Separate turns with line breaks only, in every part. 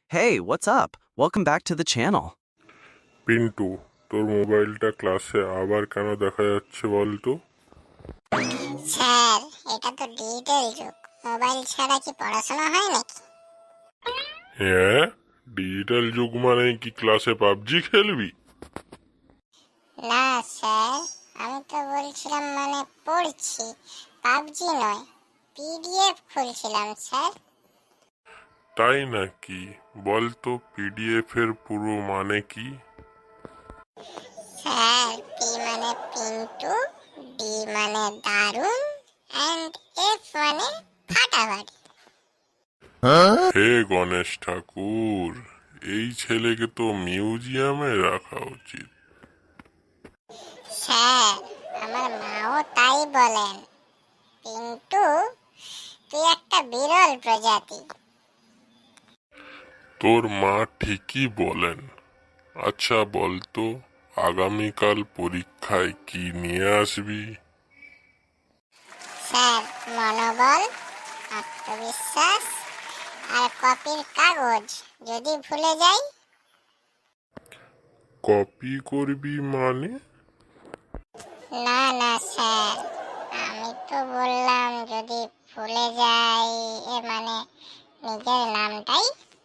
Hey, what's up? Welcome back to the channel.
Pintu, তোর মোবাইলটা ক্লাসে আবার কেন দেখা যাচ্ছে বলতো?
স্যার, এটা তো ডিজিটাল যুগ। মোবাইল ছাড়া কি পড়াশোনা হয় নাকি?
হ্যাঁ, ডিজিটাল যুগ মানে কি ক্লাসে পাবজি খেলবি?
না স্যার, আমি তো বলছিলাম মানে পড়ছি, পাবজি নয়, পিডিএফ খুলছিলাম স্যার।
তাই নাকি? বলতো পিডিএফ এর পুরো মানে কি?
স্যার, পি মানে পিন্টু, ডি মানে দারুণ, অ্যান্ড এফ মানে ফাটাফাটি।
হে গণেশ ঠাকুর, এই ছেলেকে তো মিউজিয়ামে রাখা উচিত।
স্যার, আমার মাও তাই বলেন। পিন্টু, তুই একটা বিরল প্রজাতি।
তোর মা ঠিকই বলেন। আচ্ছা বলতো, আগামীকাল পরীক্ষায় কি নিয়ে আসবি?
স্যার, মনোবল, আত্মবিশ্বাস আর কপির কাগজ। যদি ভুলে যাই?
কপি করবি মানে?
না না স্যার, আমি তো বললাম যদি ভুলে যাই, মানে নিজের নামটাই।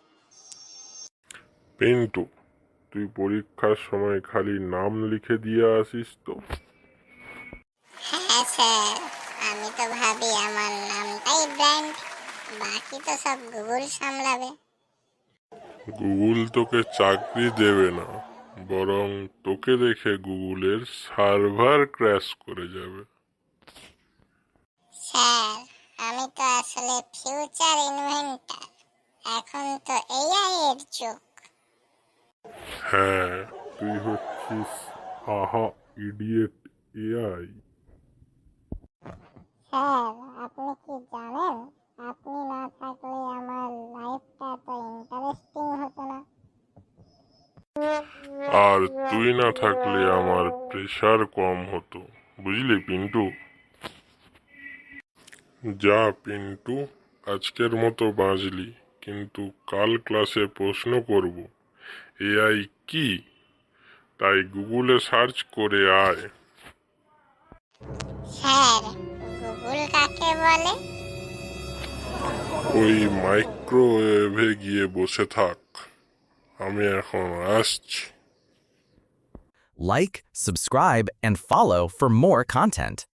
পিন্টু, তুই পরীক্ষার সময় খালি নাম লিখে দিয়ে আসিস তো?
হ্যাঁ স্যার, আমি তো ভাবি আমার নামটাই ব্র্যান্ড, বাকি তো সব গুগল সামলাবে।
গুগল তোকে চাকরি দেবে না, বরং তোকে দেখে গুগলের সার্ভার ক্র্যাশ করে যাবে।
স্যার, আমি তো আসলে ফিউচার ইনভেন্টর, এখন তো এআই এর যুগ।
হ্যাঁ, তুই হচ্ছিস আহা ইডিয়েট এআই।
স্যার, আপনি কি জানেন, আপনি না থাকলে আমার লাইফটা এত ইন্টারেস্টিং হতো না।
আর তুই না থাকলে আমার প্রেশার কম হতো, বুঝলি পিন্টু? যা পিন্টু, আজকের মতো বাঁচলি, কিন্তু কাল ক্লাসে প্রশ্ন করব এআই কি, তাই গুগলে সার্চ করে আয়।
স্যার, গুগল কাকে বলে?
ওই মাইক্রোওয়েভে গিয়ে বসে থাক, আমি এখন আসছি।
Like, subscribe, and follow for more content.